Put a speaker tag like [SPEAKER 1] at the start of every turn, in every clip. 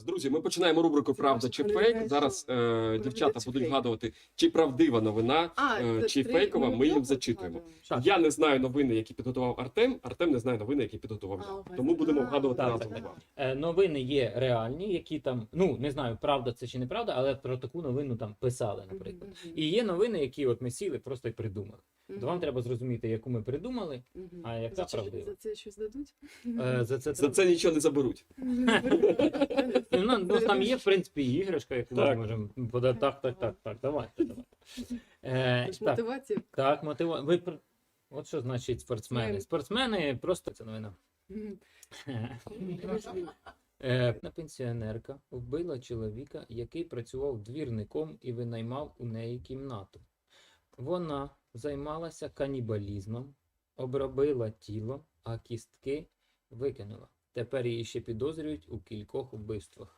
[SPEAKER 1] Друзі, ми починаємо рубрику «Правда чи фейк». Зараз дівчата будуть вгадувати, чи правдива новина, чи фейкова, ми їм зачитуємо. Я не знаю новини, які підготував Артем, Артем не знає новини, які підготував я. Тому будемо вгадувати разом з вами.
[SPEAKER 2] Новини є реальні, які там, ну, не знаю, правда це чи неправда, але про таку новину там писали, наприклад. І є новини, які от ми сіли просто і придумали. То вам треба зрозуміти, яку ми придумали, а яка правдива.
[SPEAKER 3] За це щось дадуть?
[SPEAKER 1] За це нічого не заберуть.
[SPEAKER 2] Ну, там є, в принципі, іграшка, яку ми можемо подати. Так, давайте.
[SPEAKER 3] Мотивація.
[SPEAKER 2] Так, мотивація. От що значить спортсмени. Спортсмени просто це новина. Одна пенсіонерка вбила чоловіка, який працював двірником і винаймав у неї кімнату. Вона займалася канібалізмом, обробила тіло, а кістки викинула. Тепер її ще підозрюють у кількох вбивствах.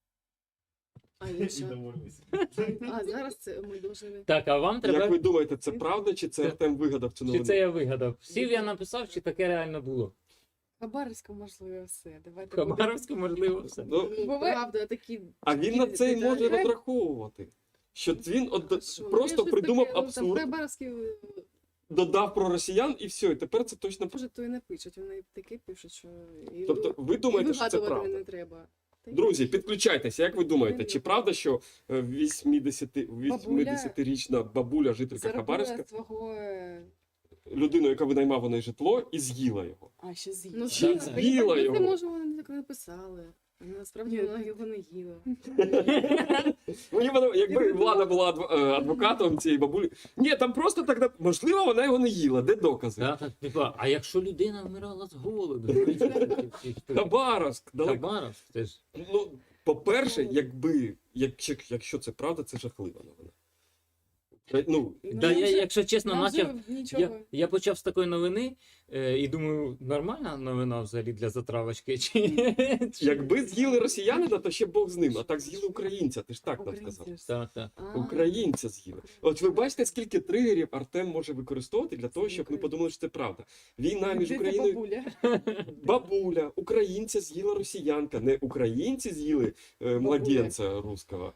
[SPEAKER 3] А зараз це ми должны...
[SPEAKER 2] Так, а вам треба...
[SPEAKER 1] Як ви думаєте, це правда, чи це Артем вигадав цю новину?
[SPEAKER 2] Чи це я вигадав? Сів я написав, чи таке реально було?
[SPEAKER 3] Хабаровська, можливо, все. Давайте
[SPEAKER 2] Хабаровська, можливо, все.
[SPEAKER 1] Ну,
[SPEAKER 3] правда, такі...
[SPEAKER 1] а він на це й може розраховувати. Що він просто придумав абсурд,
[SPEAKER 3] Хабаровські...
[SPEAKER 1] додав про росіян і все, і тепер це точно...
[SPEAKER 3] Може, то і не пишуть, вони таке пишуть, що...
[SPEAKER 1] Тобто ви думаєте, що це правда?
[SPEAKER 3] не треба.
[SPEAKER 1] Друзі, підключайтеся, як ви думаєте, чи правда, що 80-річна бабуля, жителька Хабаровська,
[SPEAKER 3] свого...
[SPEAKER 1] людину, яка винаймав у неї житло, і з'їла його?
[SPEAKER 3] А, ще з'їла.
[SPEAKER 1] Ну, з'їла його.
[SPEAKER 3] Може, вони так написали. Насправді вона його не їла.
[SPEAKER 1] Якби Влада була адвокатом цієї бабулі. Ні, там просто так, можливо, вона його не їла, де докази?
[SPEAKER 2] А якщо людина вмирала з голоду?
[SPEAKER 1] Хабаровськ, далеко.
[SPEAKER 2] Хабаровськ, це ж...
[SPEAKER 1] Ну, по-перше, якщо це правда, це жахлива новина. Ну,
[SPEAKER 2] якщо чесно,
[SPEAKER 3] нічого.
[SPEAKER 2] я почав з такої новини і думаю, нормальна новина взагалі для затравочки?
[SPEAKER 1] якби з'їли росіянина, то ще Бог з ним, а так з'їли українця, ти ж так нам сказав.
[SPEAKER 2] Так.
[SPEAKER 1] Українця з'їли. От ви бачите, скільки тригерів Артем може використовувати для того, щоб ми подумали, що це правда. Війна між Україною... Бабуля, українця з'їла росіянка, не українці з'їли младенця русского.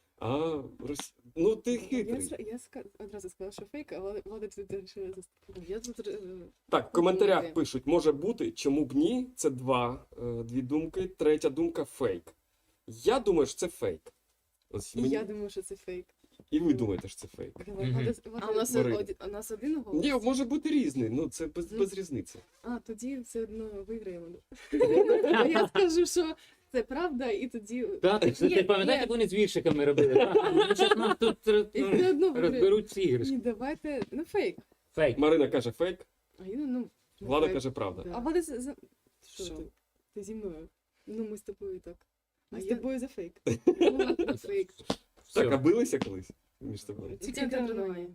[SPEAKER 1] Ну ти хитрий.
[SPEAKER 3] Я одразу сказала, що фейк, а Влада тут вирішила заступити.
[SPEAKER 1] Так, в коментарях пишуть, може бути, чому б ні, це дві думки, третя думка фейк. Я думаю, що це фейк.
[SPEAKER 3] Я думаю, що це фейк.
[SPEAKER 1] І ви думаєте, що це фейк.
[SPEAKER 3] А у нас один голос?
[SPEAKER 1] Ні, може бути різний, ну це без різниці.
[SPEAKER 3] А, тоді все одно виграємо. Я скажу, що це правда, і тоді...
[SPEAKER 2] Ти пам'ятаєш, як вони з віршиками робили? Зараз нас тут розберуть ці іграшки.
[SPEAKER 3] Ні, давайте, фейк.
[SPEAKER 2] Фейк.
[SPEAKER 1] Марина каже фейк,
[SPEAKER 3] А
[SPEAKER 1] Влада каже правда.
[SPEAKER 3] А Влада що? Ти зі мною? Ну, ми з тобою так. А я тобою за фейк. Фейк.
[SPEAKER 1] Так, а билися колись між собою?
[SPEAKER 3] Тільки тренування.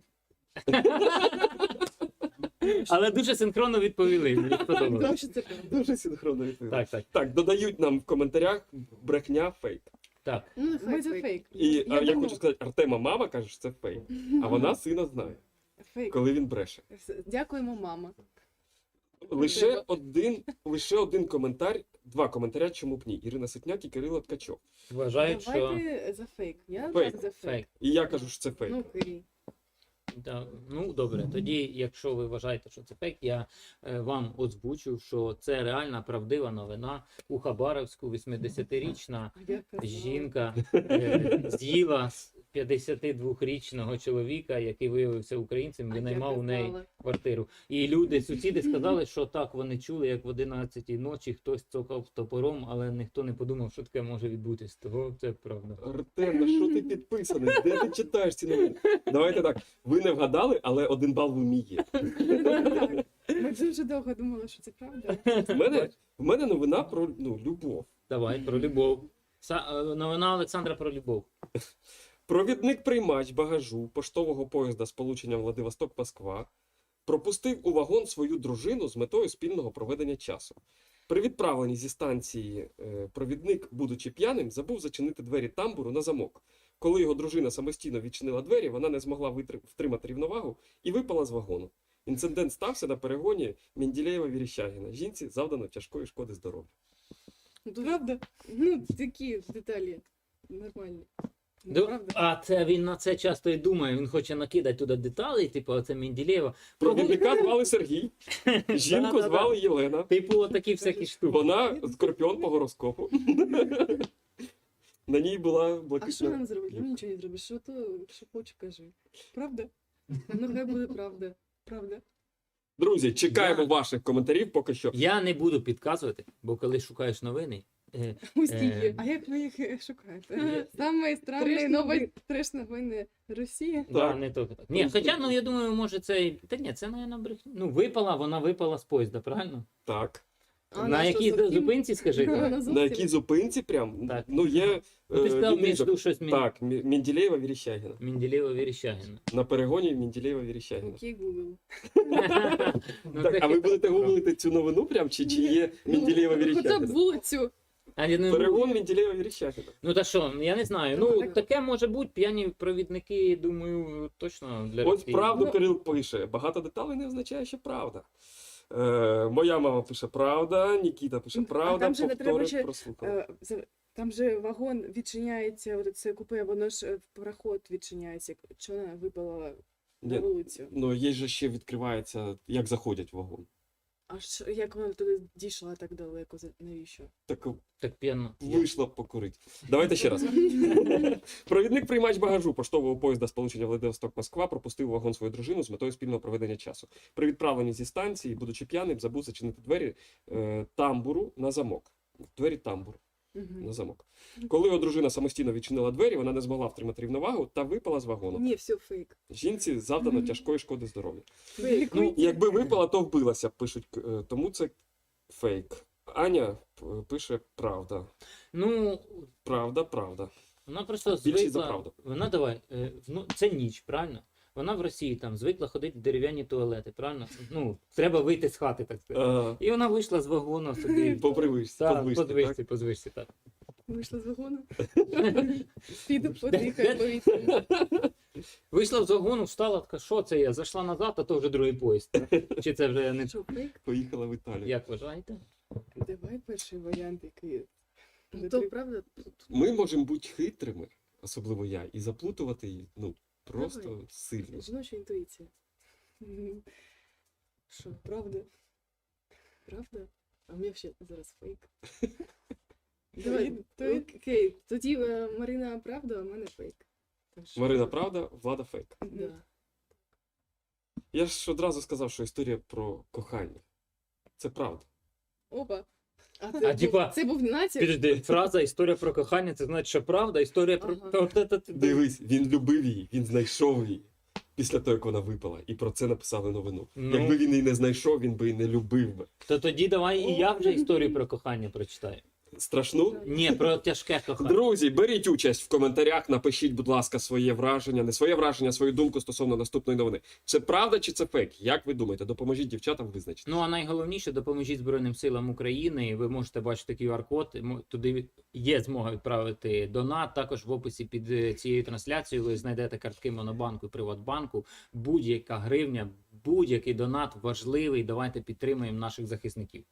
[SPEAKER 2] Але дуже синхронно відповіли. Мені сподобалося.
[SPEAKER 1] Дуже синхронно відповіли.
[SPEAKER 2] Так.
[SPEAKER 1] Так, додають нам в коментарях брехня фейк.
[SPEAKER 2] Так.
[SPEAKER 3] Ну, ми за фейк.
[SPEAKER 1] І я хочу сказати, Артема мама каже, що це фейк. А вона сина знає, коли він бреше.
[SPEAKER 3] Дякуємо, мама.
[SPEAKER 1] Лише один коментар, два коментаря, чому б ні. Ірина Ситняк і Кирило Ткачов.
[SPEAKER 2] Вважають, що...
[SPEAKER 3] Давайте за фейк. Я за фейк.
[SPEAKER 1] І я кажу, що це фейк.
[SPEAKER 3] Ну, Кирі.
[SPEAKER 2] Ну, добре, тоді, якщо ви вважаєте, що це фейк, я вам озвучу, що це реальна правдива новина. У Хабаровську 80-річна жінка з'їла 52-річного чоловіка, який виявився українцем, винаймав у неї квартиру. І люди, сусіди сказали, що так, вони чули, як в 11-й ночі хтось цокав топором, але ніхто не подумав, що таке може відбутись. Того це правда.
[SPEAKER 1] Артем, на що ти підписаний? Де ти читаєш ці новини? Давайте так, ви не вгадали, але 1 бал в умі є.
[SPEAKER 3] Ми дуже довго думали, що це правда.
[SPEAKER 1] В мене новина про любов.
[SPEAKER 2] Давай, про любов. Новина Олександра про любов.
[SPEAKER 1] Провідник-приймач багажу поштового поїзда з полученням Владивосток-Москва пропустив у вагон свою дружину з метою спільного проведення часу. При відправленні зі станції провідник, будучи п'яним, забув зачинити двері тамбуру на замок. Коли його дружина самостійно відчинила двері, вона не змогла втримати рівновагу і випала з вагону. Інцидент стався на перегоні Менделєєва-Вірещагіна. Жінці завдано тяжкої шкоди здоров'ю.
[SPEAKER 3] Правда? Ну, такі деталі нормальні. Ну, правда?
[SPEAKER 2] А це він на це часто і думає, він хоче накидати туди деталі, типу, оце Менделєєва.
[SPEAKER 1] Провідника звали Сергій, жінку
[SPEAKER 2] Да-да-да.
[SPEAKER 1] звали Єлена.
[SPEAKER 2] Типу, такі всякі штуки.
[SPEAKER 1] Вона скорпіон по гороскопу. На ній була
[SPEAKER 3] А що
[SPEAKER 1] блакитна.
[SPEAKER 3] нам зробити? Ну нічого не зробиш. Що то, що хоче, кажи. Правда? Ну хай буде правда. Правда.
[SPEAKER 1] Друзі, чекаємо
[SPEAKER 2] Я-
[SPEAKER 1] ваших коментарів поки що.
[SPEAKER 2] Я не буду підказувати, бо коли шукаєш новини,
[SPEAKER 3] Устійки. А як ви їх шукаєте? Саме странний новий треш новини Росії.
[SPEAKER 2] да, не то. Ні, хоча, ну я думаю, може це і. Та ні, це, мабуть, брехня. Ну, вона випала з поїзда, правильно?
[SPEAKER 1] Так.
[SPEAKER 3] А
[SPEAKER 2] на
[SPEAKER 3] що,
[SPEAKER 2] якій
[SPEAKER 3] зовсім?
[SPEAKER 2] зупинці, скажи?
[SPEAKER 3] Вона
[SPEAKER 2] Так,
[SPEAKER 1] На
[SPEAKER 3] зовсім?
[SPEAKER 1] якій зупинці прям?
[SPEAKER 2] Так.
[SPEAKER 1] Ну, є
[SPEAKER 2] ну, ти сказав
[SPEAKER 1] відрізок.
[SPEAKER 2] між щось
[SPEAKER 1] Так, Менделєєва Віріщагіна.
[SPEAKER 2] Менделєєва Віріщагіна.
[SPEAKER 1] На перегоні Менделєєва Віріщагіна.
[SPEAKER 3] Окей, Google.
[SPEAKER 2] Ну,
[SPEAKER 1] Так,
[SPEAKER 2] це
[SPEAKER 1] а ви
[SPEAKER 2] хитро.
[SPEAKER 1] будете гуглити цю новину прям, чи є Менделєєва
[SPEAKER 3] Хоча б
[SPEAKER 1] Віріщагіна?
[SPEAKER 3] вулицю.
[SPEAKER 2] А, я не-
[SPEAKER 1] Перегон Менделєєва Віріщагіна.
[SPEAKER 2] Ну та що, я не знаю.
[SPEAKER 3] Ну,
[SPEAKER 2] Ну,
[SPEAKER 3] так.
[SPEAKER 2] таке може бути, п'яні провідники, думаю, точно для
[SPEAKER 1] Ось
[SPEAKER 2] Росії.
[SPEAKER 1] правду
[SPEAKER 3] Ну.
[SPEAKER 1] Кирил пише. Багато деталей не означає, що правда. Моя мама пише правда, Нікіта пише
[SPEAKER 3] А
[SPEAKER 1] правда,
[SPEAKER 3] там же не треба
[SPEAKER 1] повтори
[SPEAKER 3] ще,
[SPEAKER 1] прослухали.
[SPEAKER 3] Там же вагон відчиняється, от це купе, воно ж в проход відчиняється. Що вона випала на
[SPEAKER 1] Ні,
[SPEAKER 3] вулицю?
[SPEAKER 1] ну є же ще відкривається, як заходять в вагон.
[SPEAKER 3] Аж як вона туди дійшла так далеко? Навіщо?
[SPEAKER 1] Так
[SPEAKER 2] Так п'яно.
[SPEAKER 1] вийшла покурити. Давайте ще раз. Провідник приймач багажу поштового поїзда сполучення Владивосток-Москва пропустив у вагон свою дружину з метою спільного проведення часу. При відправленні зі станції, будучи п'яним, забув зачинити двері тамбуру на замок. Двері тамбуру на замок. Коли його дружина самостійно відчинила двері, вона не змогла втримати рівновагу та випала з вагону.
[SPEAKER 3] Ні, все фейк.
[SPEAKER 1] Жінці завдано тяжкої шкоди здоров'ю.
[SPEAKER 3] Фейк.
[SPEAKER 1] Ну, якби випала, то вбилася, пишуть, тому це фейк. Аня пише правда.
[SPEAKER 2] Ну,
[SPEAKER 1] Правда.
[SPEAKER 2] вона просто
[SPEAKER 1] Більшість за
[SPEAKER 2] звикла.
[SPEAKER 1] правду.
[SPEAKER 2] Вона давай, ну це ніч, правильно? Вона в Росії там звикла ходити в дерев'яні туалети, правильно? Ну, треба вийти з хати, так сказати. І вона вийшла з вагону собі.
[SPEAKER 1] По привичці,
[SPEAKER 2] Так,
[SPEAKER 1] по
[SPEAKER 2] по звичці, так.
[SPEAKER 3] Вийшла з вагону. Піду подихаю повітря.
[SPEAKER 2] Вийшла з вагону, встала, така, що це я? Зайшла назад, а то вже другий поїзд. Чи це вже не
[SPEAKER 3] Що, фейк?
[SPEAKER 1] Поїхала в Італію.
[SPEAKER 2] як вважаєте?
[SPEAKER 3] Давай перший варіант, який.
[SPEAKER 4] То правда,
[SPEAKER 1] Ми можемо бути хитрими, особливо я, і заплутувати її, ну, просто
[SPEAKER 3] Давай.
[SPEAKER 1] сильно.
[SPEAKER 3] Жіноча інтуїція. Що, правда? Правда? А у мене ще зараз фейк.
[SPEAKER 4] Давай,
[SPEAKER 3] Окей, тоді Марина правда, а в мене фейк. Так що-
[SPEAKER 1] Марина правда, Влада фейк.
[SPEAKER 3] Да.
[SPEAKER 1] Я ж одразу сказав, що історія про кохання. Це правда.
[SPEAKER 3] Опа.
[SPEAKER 2] А, типа,
[SPEAKER 3] це був натяк?
[SPEAKER 2] Підожди, фраза історія про кохання, це значить, що правда, історія про.
[SPEAKER 3] Ага.
[SPEAKER 2] Та-та-та-та.
[SPEAKER 1] Дивись, він любив її, він знайшов її після того, як вона випала. І про це написали новину.
[SPEAKER 2] Ну.
[SPEAKER 1] Якби він її не знайшов, він би і не любив би.
[SPEAKER 2] То тоді давай і я вже історію про кохання прочитаю.
[SPEAKER 1] Страшну?
[SPEAKER 2] Ні, про тяжке кохання.
[SPEAKER 1] Друзі, беріть участь в коментарях, напишіть, будь ласка, своє враження, не своє враження, а свою думку стосовно наступної новини. Це правда чи це фейк? Як ви думаєте? Допоможіть дівчатам визначити.
[SPEAKER 2] Ну а найголовніше, допоможіть Збройним силам України. Ви можете бачити QR-код. Туди є змога відправити донат. Також в описі під цією трансляцією ви знайдете картки Монобанку і Приватбанку. Будь-яка гривня, будь-який донат важливий. Давайте підтримаємо наших захисників.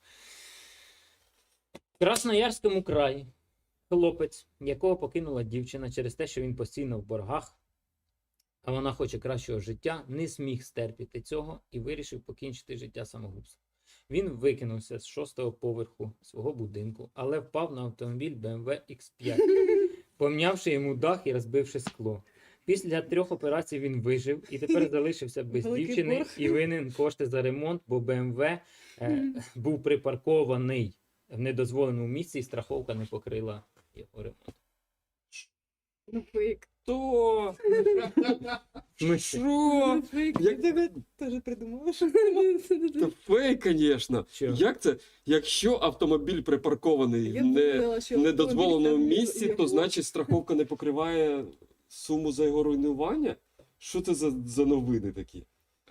[SPEAKER 2] В Красноярському краї хлопець, якого покинула дівчина через те, що він постійно в боргах, а вона хоче кращого життя, не зміг стерпіти цього і вирішив покінчити життя самогубством. Він викинувся з 6-го поверху свого будинку, але впав на автомобіль BMW X5, помнявши йому дах і розбивши скло. Після 3 операцій він вижив і тепер залишився без
[SPEAKER 3] Великий
[SPEAKER 2] дівчини
[SPEAKER 3] борг.
[SPEAKER 2] і винен кошти за ремонт, бо BMW був припаркований в недозволеному місці і страховка не покрила його ремонт.
[SPEAKER 3] Ну, фейк.
[SPEAKER 1] То
[SPEAKER 2] Ми
[SPEAKER 1] що?
[SPEAKER 3] Ну, фейк.
[SPEAKER 1] Як-
[SPEAKER 3] Я тебе теж придумала, що
[SPEAKER 1] Та фейк, звісно.
[SPEAKER 2] Що?
[SPEAKER 1] Як це? Якщо автомобіль припаркований
[SPEAKER 3] Я
[SPEAKER 1] в
[SPEAKER 3] думала, що
[SPEAKER 1] в недозволеному
[SPEAKER 3] автомобіль там
[SPEAKER 1] місці,
[SPEAKER 3] його-
[SPEAKER 1] то значить страховка не покриває суму за його руйнування? Що це за новини такі?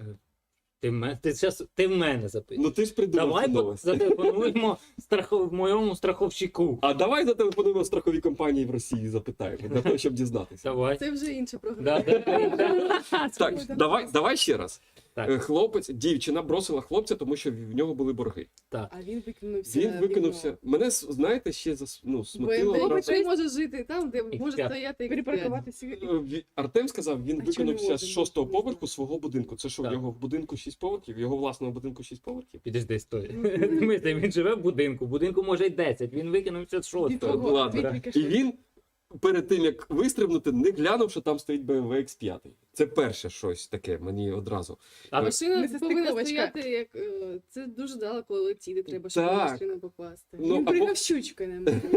[SPEAKER 2] Ти в мене запитуєш.
[SPEAKER 1] Ну ти ж придумав
[SPEAKER 2] Давай
[SPEAKER 1] цю новость.
[SPEAKER 2] зателефонуємо моєму страховщику.
[SPEAKER 1] А давай зателефонуємо страхові компанії в Росії і запитаємо, для того, щоб дізнатися.
[SPEAKER 2] Давай.
[SPEAKER 3] Це вже інша програма.
[SPEAKER 2] Да.
[SPEAKER 1] Так, давай ще раз.
[SPEAKER 2] Так.
[SPEAKER 1] Хлопець, дівчина бросила хлопця, тому що в нього були борги.
[SPEAKER 2] Так.
[SPEAKER 3] А він викинувся.
[SPEAKER 1] Він викинувся. Мене, знаєте, ще смутило.
[SPEAKER 4] БМВ
[SPEAKER 3] Хлопець
[SPEAKER 4] не може жити там, де може
[SPEAKER 2] X5.
[SPEAKER 4] стояти X5.
[SPEAKER 3] Перепаркуватися.
[SPEAKER 1] Артем сказав, він
[SPEAKER 3] А чому
[SPEAKER 1] викинувся
[SPEAKER 3] не
[SPEAKER 1] з
[SPEAKER 3] один?
[SPEAKER 1] 6-го
[SPEAKER 3] Не
[SPEAKER 1] поверху
[SPEAKER 3] знаю.
[SPEAKER 1] свого будинку. Це що, в
[SPEAKER 2] Так.
[SPEAKER 1] його в будинку 6 поверхів? В його власного будинку 6 поверхів?
[SPEAKER 2] Підожди, стой. Він живе в будинку. В будинку може й 10. Він викинувся з
[SPEAKER 3] Від
[SPEAKER 2] 6-го.
[SPEAKER 3] того,
[SPEAKER 1] Ладно.
[SPEAKER 3] від
[SPEAKER 1] І він перед тим, як вистрибнути, не глянув, що там стоїть BMW X5. Це перше щось таке мені одразу.
[SPEAKER 2] А
[SPEAKER 4] Машина
[SPEAKER 3] Несостиковочка.
[SPEAKER 4] повинна стояти, як це дуже далеко летіти, треба, щоб
[SPEAKER 1] Так.
[SPEAKER 4] машину попасти.
[SPEAKER 1] Ну,
[SPEAKER 3] Він
[SPEAKER 1] або-
[SPEAKER 3] приїхав щучкою на мене.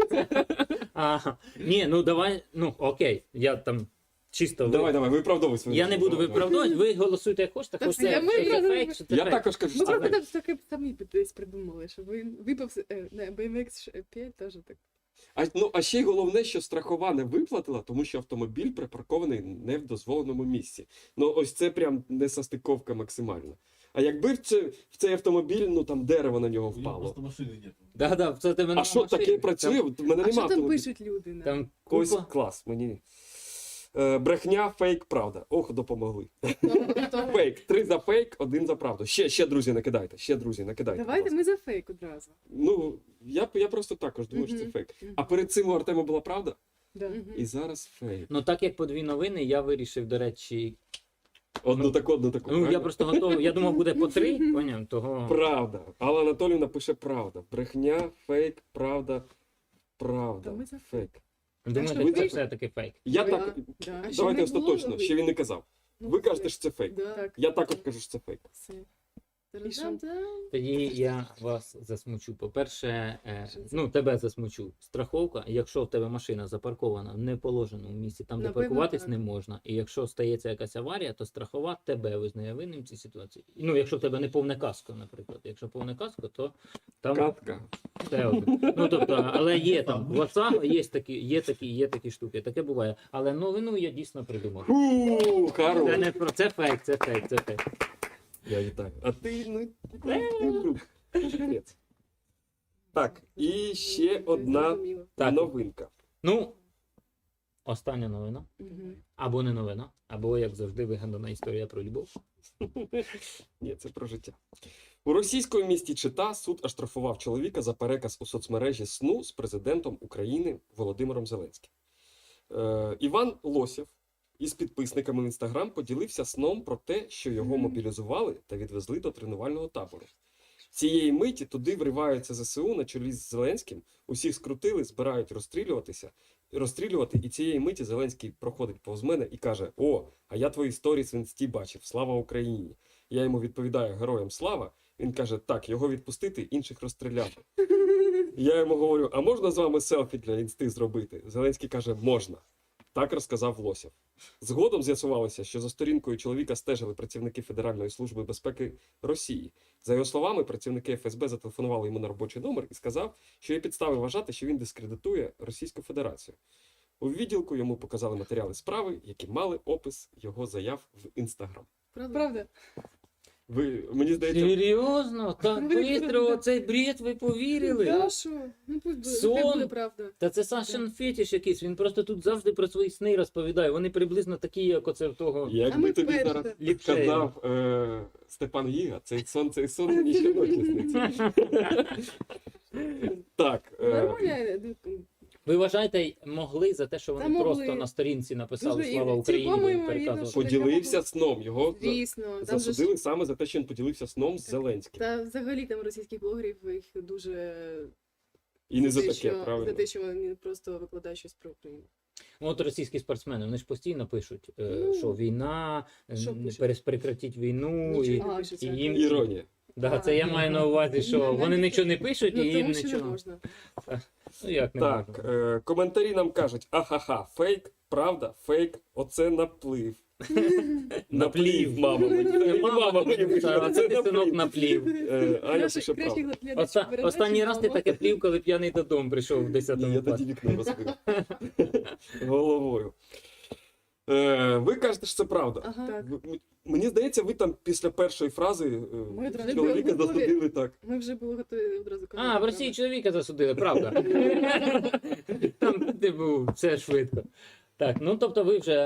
[SPEAKER 2] Ага. Ні, ну давай, ну окей, я там чисто
[SPEAKER 1] Давай, виправдовуй свою.
[SPEAKER 2] Я не буду
[SPEAKER 1] Давай.
[SPEAKER 2] виправдовувати, ви голосуйте як хочете,
[SPEAKER 4] Та
[SPEAKER 2] хочете
[SPEAKER 4] це ми
[SPEAKER 2] що це
[SPEAKER 4] одразу-
[SPEAKER 2] фейк, що це
[SPEAKER 1] Я
[SPEAKER 2] фейк.
[SPEAKER 1] також кажу,
[SPEAKER 3] Ми
[SPEAKER 1] що це
[SPEAKER 3] просто
[SPEAKER 1] фейк.
[SPEAKER 3] так самі десь придумали, що він випав на BMX 5 теж так.
[SPEAKER 1] А ще й головне, що страхова не виплатила, тому що автомобіль припаркований не в дозволеному місці. Ну ось це прям несостиковка максимальна. А якби в цей автомобіль, ну там дерево на нього
[SPEAKER 5] У него
[SPEAKER 1] впало.
[SPEAKER 5] просто машины нет.
[SPEAKER 2] Да, це тебе
[SPEAKER 1] А що таке працює? От в мене
[SPEAKER 3] А
[SPEAKER 1] нема
[SPEAKER 3] що там
[SPEAKER 1] автомобіля.
[SPEAKER 3] пишуть люди?
[SPEAKER 2] Там
[SPEAKER 1] Ось
[SPEAKER 2] купа.
[SPEAKER 1] клас, мені. Брехня, фейк, правда. Ох, допомогли. Фейк. 3 за фейк, 1 за правду. Ще, друзі, накидайте. Ще, друзі, накидайте.
[SPEAKER 3] Давайте
[SPEAKER 1] будь
[SPEAKER 3] ми за фейк одразу.
[SPEAKER 1] ласка. Ну, я просто також думаю, що це
[SPEAKER 3] Мгм.
[SPEAKER 1] фейк. А перед цим у Артема була правда,
[SPEAKER 3] Да.
[SPEAKER 1] і зараз фейк.
[SPEAKER 2] Ну так як по 2 новини, я вирішив, до речі.
[SPEAKER 1] Одну таку.
[SPEAKER 2] Ну я
[SPEAKER 1] правильно?
[SPEAKER 2] просто готовий. Я думав, буде по 3, поняв, того.
[SPEAKER 1] Правда. Алла Анатоліївна пише правда. Брехня, фейк, правда,
[SPEAKER 3] Та
[SPEAKER 1] правда.
[SPEAKER 3] ми за
[SPEAKER 1] Фейк.
[SPEAKER 2] Думаєте,
[SPEAKER 1] ви
[SPEAKER 2] це
[SPEAKER 1] так-
[SPEAKER 2] все-таки фейк.
[SPEAKER 1] Я
[SPEAKER 4] Да.
[SPEAKER 1] так.
[SPEAKER 3] Да.
[SPEAKER 4] А ще
[SPEAKER 1] Давайте
[SPEAKER 4] не було
[SPEAKER 1] остаточно,
[SPEAKER 4] новин?
[SPEAKER 1] ще він не казав.
[SPEAKER 3] Ну,
[SPEAKER 1] Ви
[SPEAKER 3] все.
[SPEAKER 1] кажете, що це фейк.
[SPEAKER 4] Да.
[SPEAKER 3] Так,
[SPEAKER 1] Я також кажу, що це фейк.
[SPEAKER 3] все.
[SPEAKER 4] Та-дам-дам.
[SPEAKER 3] І що?
[SPEAKER 2] Тоді я вас засмучу. По-перше, ну тебе засмучу. Страховка, якщо в тебе машина запаркована в неположеному місці, там де
[SPEAKER 3] Напевно,
[SPEAKER 2] паркуватись
[SPEAKER 3] так.
[SPEAKER 2] не можна. І якщо стається якась аварія, то страхова тебе визнає винним в цій ситуації. Ну, якщо в тебе не повне каско, наприклад. Якщо повне каско, то там
[SPEAKER 1] Катка.
[SPEAKER 2] все один. Ну тобто, але є там в WhatsApp є такі штуки. Таке буває. Але новину я дійсно придумав.
[SPEAKER 1] Фу,
[SPEAKER 2] Це
[SPEAKER 1] хорош.
[SPEAKER 2] не про це фейк, це фейк, це фейк.
[SPEAKER 1] Я вітаю. А ти, ну, капець. Так, і ще одна
[SPEAKER 4] Зрозуміло.
[SPEAKER 2] Так.
[SPEAKER 1] новинка.
[SPEAKER 2] Ну, остання новина.
[SPEAKER 3] Мгм.
[SPEAKER 2] Або не новина, або, як завжди, вигадана історія про любов.
[SPEAKER 1] Ні, це про життя. У російському місті Чита суд оштрафував чоловіка за переказ у соцмережі сну з президентом України Володимиром Зеленським. Іван Лосєв із підписниками в Інстаграм поділився сном про те, що його мобілізували та відвезли до тренувального табору. Цієї миті туди вриваються ЗСУ на чолі з Зеленським, усіх скрутили, збирають розстрілювати, і цієї миті Зеленський проходить повз мене і каже: «О, а я твої сторіс в інсті бачив, слава Україні!» Я йому відповідаю: «Героям слава!» Він каже: «Так, його відпустити, інших розстріляти». Я йому говорю: «А можна з вами селфі для інсти зробити?» Зеленський каже: «Можна». Так розказав Лосєв. Згодом з'ясувалося, що за сторінкою чоловіка стежили працівники Федеральної служби безпеки Росії. За його словами, працівники ФСБ зателефонували йому на робочий номер і сказав, що є підстави вважати, що він дискредитує Російську Федерацію. У відділку йому показали матеріали справи, які мали опис його заяв в Інстаграм.
[SPEAKER 3] Правда?
[SPEAKER 1] Мені здається,
[SPEAKER 2] Серйозно? Так швидко цей бред ви повірили?
[SPEAKER 3] Да, що? Ну, пусть буде.
[SPEAKER 2] Сон.
[SPEAKER 3] Хай буде правда.
[SPEAKER 2] Та це Сашин фетиш якийсь, він просто тут завжди про свої сни розповідає. Вони приблизно такі, як оце в того
[SPEAKER 3] А
[SPEAKER 1] якби
[SPEAKER 3] ми
[SPEAKER 1] тобі
[SPEAKER 3] перше.
[SPEAKER 1] зараз
[SPEAKER 2] ліпшею.
[SPEAKER 1] сказав Степан Гіга, цей сон мені ще ночі сниться. Так,
[SPEAKER 3] Нормально.
[SPEAKER 2] Ви вважаєте, могли за те, що вони
[SPEAKER 3] Та могли.
[SPEAKER 2] просто на сторінці написали
[SPEAKER 3] Дуже
[SPEAKER 2] «Слава
[SPEAKER 3] і
[SPEAKER 2] Україні»,
[SPEAKER 3] цілком
[SPEAKER 2] ви
[SPEAKER 3] ймовірно,
[SPEAKER 2] переказували?
[SPEAKER 3] що
[SPEAKER 1] поділився сном. Його
[SPEAKER 3] Звісно. Там же ж-
[SPEAKER 1] засудили саме за те, що він поділився сном з Зеленським.
[SPEAKER 3] Та взагалі там російських блогерів їх дуже
[SPEAKER 1] І не за
[SPEAKER 3] те,
[SPEAKER 1] таке,
[SPEAKER 3] що-
[SPEAKER 1] правильно?
[SPEAKER 3] за те, що вони просто викладають щось про Україну.
[SPEAKER 2] От російські спортсмени, вони ж постійно пишуть,
[SPEAKER 3] Ну,
[SPEAKER 2] що війна,
[SPEAKER 3] що пишуть?
[SPEAKER 2] прекратіть війну.
[SPEAKER 3] Нічого
[SPEAKER 2] І,
[SPEAKER 3] не
[SPEAKER 2] і
[SPEAKER 3] пишеться.
[SPEAKER 2] їм...
[SPEAKER 1] Іронія.
[SPEAKER 2] Да, це я маю на увазі, що
[SPEAKER 3] Ну,
[SPEAKER 2] вони
[SPEAKER 3] навіть-
[SPEAKER 2] нічого не пишуть, і
[SPEAKER 3] Ну,
[SPEAKER 2] їм
[SPEAKER 3] тому що не
[SPEAKER 2] нічого.
[SPEAKER 3] можна.
[SPEAKER 2] Ну як не
[SPEAKER 1] Так,
[SPEAKER 2] можна?
[SPEAKER 1] коментарі нам кажуть: ахаха, фейк, правда, фейк, оце наплив. Наплів, мама мені. Мама мені пише,
[SPEAKER 2] Це
[SPEAKER 1] оце
[SPEAKER 2] ти, синок,
[SPEAKER 1] наплив.
[SPEAKER 2] наплів.
[SPEAKER 1] Аня пише правду.
[SPEAKER 2] Останній раз ти таке плів, коли п'яний додому прийшов в 10-му
[SPEAKER 1] Ні, я
[SPEAKER 2] класі.
[SPEAKER 1] тоді вікно розбив. Головою. Ви кажете, що це правда.
[SPEAKER 3] Ага. Так.
[SPEAKER 1] Мені здається, ви там після першої фрази
[SPEAKER 3] Ми одразу
[SPEAKER 1] чоловіка
[SPEAKER 3] були готові.
[SPEAKER 1] засудили так.
[SPEAKER 3] Ми вже були готові одразу
[SPEAKER 2] А, в Росії чоловіка засудили, правда. Там, типу, все швидко. Так, ну тобто ви вже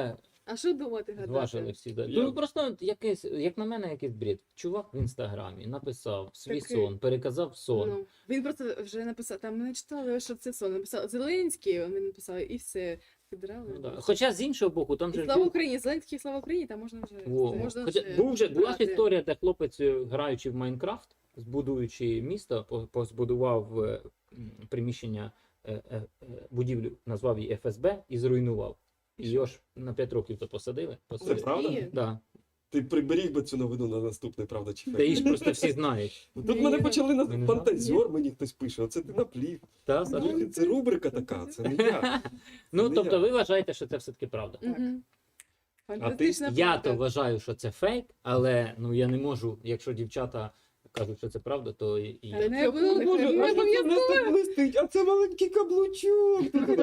[SPEAKER 4] А що думати гадати?
[SPEAKER 2] Зважили всі. Да.
[SPEAKER 1] Я-
[SPEAKER 2] Ну просто якийсь, як на мене, якийсь бред. Чувак в інстаграмі написав свій
[SPEAKER 4] Такий.
[SPEAKER 2] сон, переказав сон.
[SPEAKER 4] Ну, він просто вже написав, там ми не читали, що це сон. Написав Зеленський, він написав, і все. Федерали.
[SPEAKER 2] Ну, да. Хоча з іншого боку, там
[SPEAKER 4] І
[SPEAKER 2] же ж
[SPEAKER 4] слава
[SPEAKER 2] був-
[SPEAKER 4] Україні, Зеленський, слава Україні, там можна вже.
[SPEAKER 2] Во.
[SPEAKER 4] Можна
[SPEAKER 2] Хоча
[SPEAKER 4] вже
[SPEAKER 2] була ж
[SPEAKER 4] брати.
[SPEAKER 2] історія, де хлопець, граючи в Майнкрафт, збудуючи місто, позбудував приміщення, будівлю, назвав її ФСБ і зруйнував. І його ж на 5 років то посадили.
[SPEAKER 1] Це правда?
[SPEAKER 4] Ні.
[SPEAKER 2] Да.
[SPEAKER 1] Ти приберіг би цю новину на наступний, правда, чи
[SPEAKER 2] Та
[SPEAKER 1] фейк?
[SPEAKER 2] її ж просто всі знають.
[SPEAKER 1] Тут
[SPEAKER 4] Ні,
[SPEAKER 1] мене
[SPEAKER 4] ні,
[SPEAKER 1] почали
[SPEAKER 2] ви не
[SPEAKER 1] на
[SPEAKER 2] знали?
[SPEAKER 1] фантазер, мені хтось пише, оце ти наплів.
[SPEAKER 2] Та, Саша?
[SPEAKER 1] Слухай, це рубрика така, це не я.
[SPEAKER 2] Ну,
[SPEAKER 1] не
[SPEAKER 2] тобто
[SPEAKER 1] я.
[SPEAKER 2] ви вважаєте, що це все-таки правда.
[SPEAKER 4] Мгм.
[SPEAKER 1] А ти-
[SPEAKER 4] Фантастична
[SPEAKER 2] Я
[SPEAKER 4] правда.
[SPEAKER 2] то вважаю, що це фейк, але ну я не можу, якщо дівчата кажуть, що це правда, то і я.
[SPEAKER 4] Але не
[SPEAKER 1] О, Боже,
[SPEAKER 4] обов'язково.
[SPEAKER 1] а що це в нас тут блистить? А це маленький каблучок.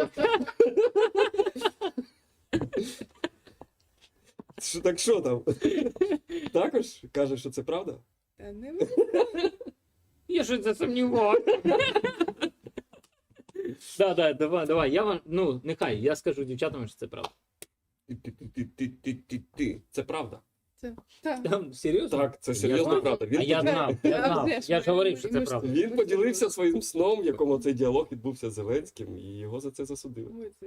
[SPEAKER 1] Так що там? Також каже, що це правда?
[SPEAKER 4] Та не
[SPEAKER 2] Я щось засумнівався. Да, давай. Я вам, ну, нехай, я скажу дівчатам, що це правда.
[SPEAKER 1] Ти. Це правда.
[SPEAKER 4] Так.
[SPEAKER 2] Там, серйозно?
[SPEAKER 1] Так, це
[SPEAKER 2] Я
[SPEAKER 1] серйозно
[SPEAKER 2] знав.
[SPEAKER 1] правда.
[SPEAKER 2] А я знав,
[SPEAKER 4] А вже ж
[SPEAKER 2] я ж
[SPEAKER 4] ми-
[SPEAKER 2] говорив, що
[SPEAKER 4] ми
[SPEAKER 2] це
[SPEAKER 4] ж-
[SPEAKER 2] правда.
[SPEAKER 1] Він поділився своїм сном, в якому цей діалог відбувся з Зеленським, і його за це засудили.
[SPEAKER 4] Ой, це